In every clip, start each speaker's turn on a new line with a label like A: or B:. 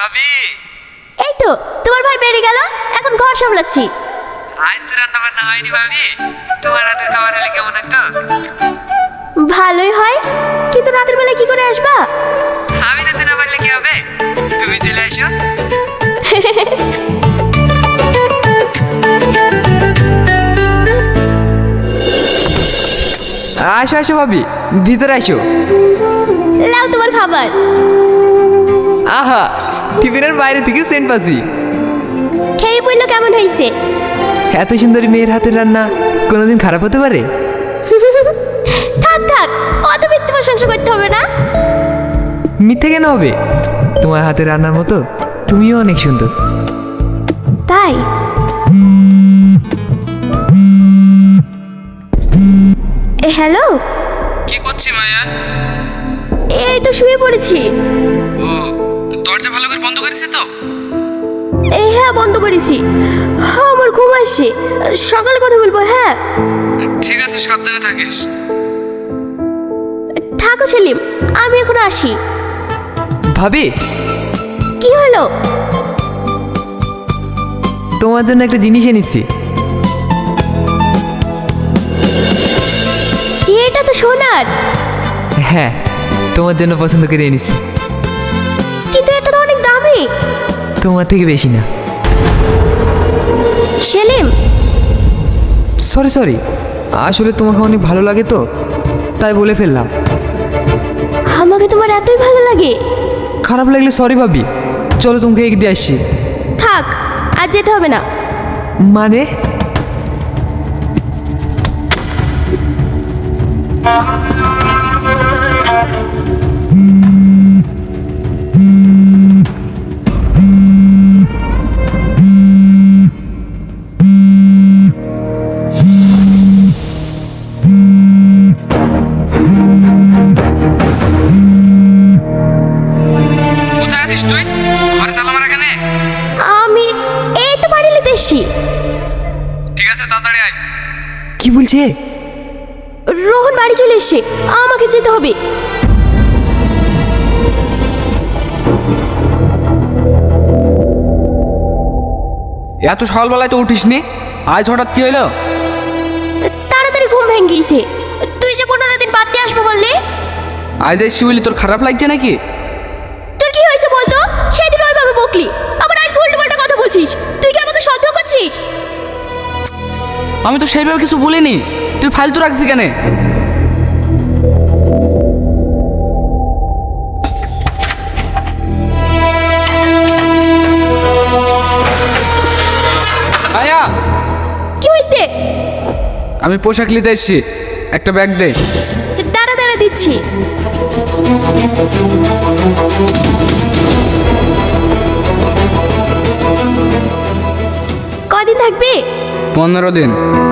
A: ভাবি,
B: এই তো তোমার ভাই বেরিয়ে গেল, এখন ঘর সামলাচ্ছি।
A: আজ তো রান্না বান্না হয়নি ভাবি। তোমার হাতের খাবার হলে কেমন হতো?
B: ভালোই হয়, কিন্তু রাতের বেলা কি করে আসবা?
A: আমি যেতে না পারলে কি হবে, তুমি চলে এসো। আসো আসো ভাবি, ভিতরে আসো।
B: লাও তোমার খাবার।
A: আহা, টিফিনের বাইরে থেকেও সেন্ট পাচ্ছি।
B: খেয়ে বললো কেমন হয়েছে?
A: এত সুন্দরী মেয়ের হাতের রান্না কোনোদিন খারাপ হতে পারে?
B: থাক থাক, অত মিথ্যে প্রশংসা করতে হবে না।
A: মিথ্যে কেন হবে? তোমার হাতের রান্নার মতো তুমিও অনেক সুন্দর।
B: তাই? হ্যালো,
A: কি করছি মায়া?
B: এই তো শুয়ে পড়েছি।
A: ও, দরজা ভালো করে বন্ধ করেছে তো?
B: এই হ্যাঁ, বন্ধ করেছি। আমার ঘুম আসছে, সকালে কথা বলবো। হ্যাঁ
A: ঠিক আছে, সাবধানে থাকিস।
B: থাকো সেলিম, আমি এখন আসি।
A: ভাবি,
B: কি হলো?
A: তোমার জন্য একটা জিনিস এনেছি।
B: এটা তো সোনার।
A: হ্যাঁ, তোমার জন্য পছন্দ করে এনেছি।
B: কিন্তু এটা তো অনেক দামি।
A: তোমার থেকে বেশি না।
B: সেলিম,
A: সরি সরি, আসলে তোমাকে অনেক ভালো লাগে তো, তাই বলে ফেললাম।
B: আমাকে তোমার এতই ভালো লাগে?
A: খারাপ লাগলে সরি ভাবি, চলো তোমাকে এগিয়ে দিয়ে আসছি।
B: থাক, আজ যেতে হবে না।
A: মানে? কোথায় আছিস তুই? ঘরে তালা মারা কেন?
B: আমি এই তো বাড়ি নিতে এসছি।
A: ঠিক আছে, তাড়াতাড়ি আয়। কি বলছে?
B: রোহন বাড়ি চলে এসছে, আমাকে যেতে হবে।
A: এত সকালবেলায় তো উঠিসনি, আজ হঠাৎ কি হলো?
B: তাড়াতাড়ি ঘুম ভেঙে গিয়েছে। তুই যে 15 দিন বাদ দিয়ে আসবো বললি।
A: আজ এসছি বলি তোর খারাপ লাগছে নাকি?
B: তোর কি হয়েছে বলতো? সেদিন ওইভাবে বকলি, আবার আজ উল্টো পাল্টা কথা বলছিস। তুই কি আমাকে সন্দেহ করছিস?
C: আমি তো সেইভাবে কিছু বলিনি, তুই ফালতু রাখছিস কেন?
A: আয়া,
B: কি হয়েছে?
A: আমি পোশাক নিতে এসছি, একটা ব্যাগ দে।
B: দাঁড়া দাঁড়া, দিচ্ছি। কদিন থাকবে?
A: 15 দিন।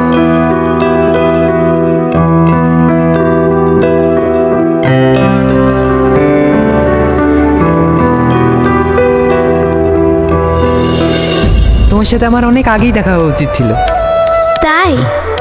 A: তোমার সাথে আমার অনেক আগেই দেখা হওয়া উচিত ছিল।
B: তাই?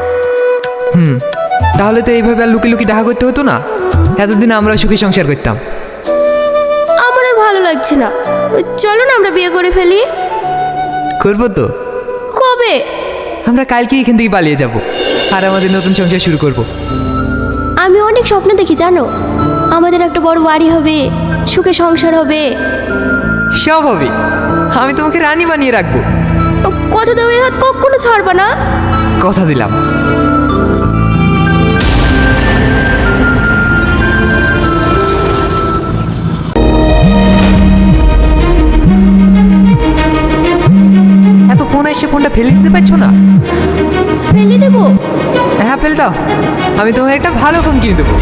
A: তাহলে তো এইভাবে আর লুকি দেখা করতে হতো না, এতদিন আমরা সুখী সংসার করতাম।
B: আমার আর ভালো লাগছে না, চলো না আমরা বিয়ে করে ফেলি।
A: করবো তো।
B: কবে?
A: আমরা কালকে এখান থেকে পালিয়ে যাব আর আমাদের নতুন সংসার শুরু করব।
B: আমি অনেক স্বপ্ন দেখি জানো, আমাদের একটা বড় বাড়ি হবে, সুখে সংসার হবে।
A: সব হবে, আমি তোমাকে রানী বানিয়ে রাখবো।
B: কথা দাও, এই হাত কখনো ছাড়বা না।
A: কথা দিলাম। এত ফোন এসে ফোনটা ফেলে দিতে পারছো না?
B: ফেলে দেবো?
A: হ্যাঁ, ফেল দাও, আমি তোমার একটা ভালো ফোন কিনে দেবো।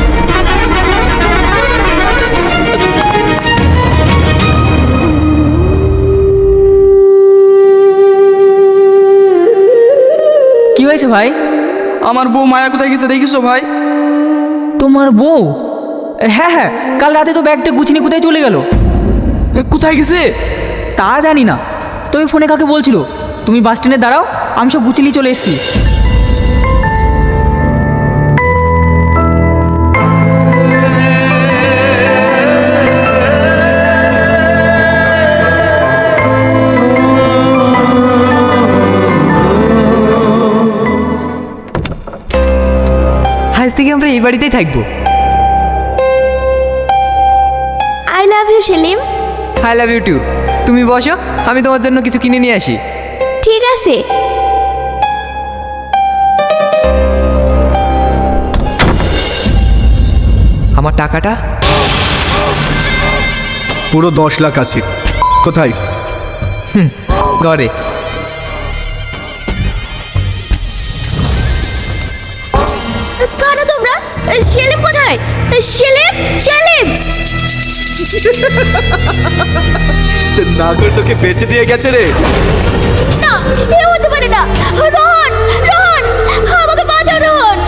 C: কি হয়েছে ভাই?
D: আমার বউ মায়া কোথায় গেছে দেখিছো ভাই?
C: তোমার বউ? হ্যাঁ হ্যাঁ, কাল রাতে তো ব্যাগটা গুছিয়ে কোথায় চলে গেল?
D: কোথায় গেছে
C: তা জানি না, তুমি ফোনে কাকে বলছিল? তুমি বাস স্ট্যান্ডে দাঁড়াও, আমি সব গুছিয়ে চলে এসেছি।
A: ধরে এই বাড়িতেই থাকবো।
B: I love you Selim.
A: I love you too. তুমি বসো, আমি তোমার জন্য কিছু কিনে নিয়ে আসি।
B: ঠিক আছে।
A: আমার টাকাটা?
E: পুরো 10 লাখ আছে। কোথায়?
A: ঘরে।
B: কারা তোমরা? সেলিম কোথায়? সেলিম, সেলিম!
E: নাগর তোকে বেঁচে দিয়ে গেছে রে।
B: না, এ হতে পারে না। রোহন, রোহন, আমাকে বাঁচাও রোহন।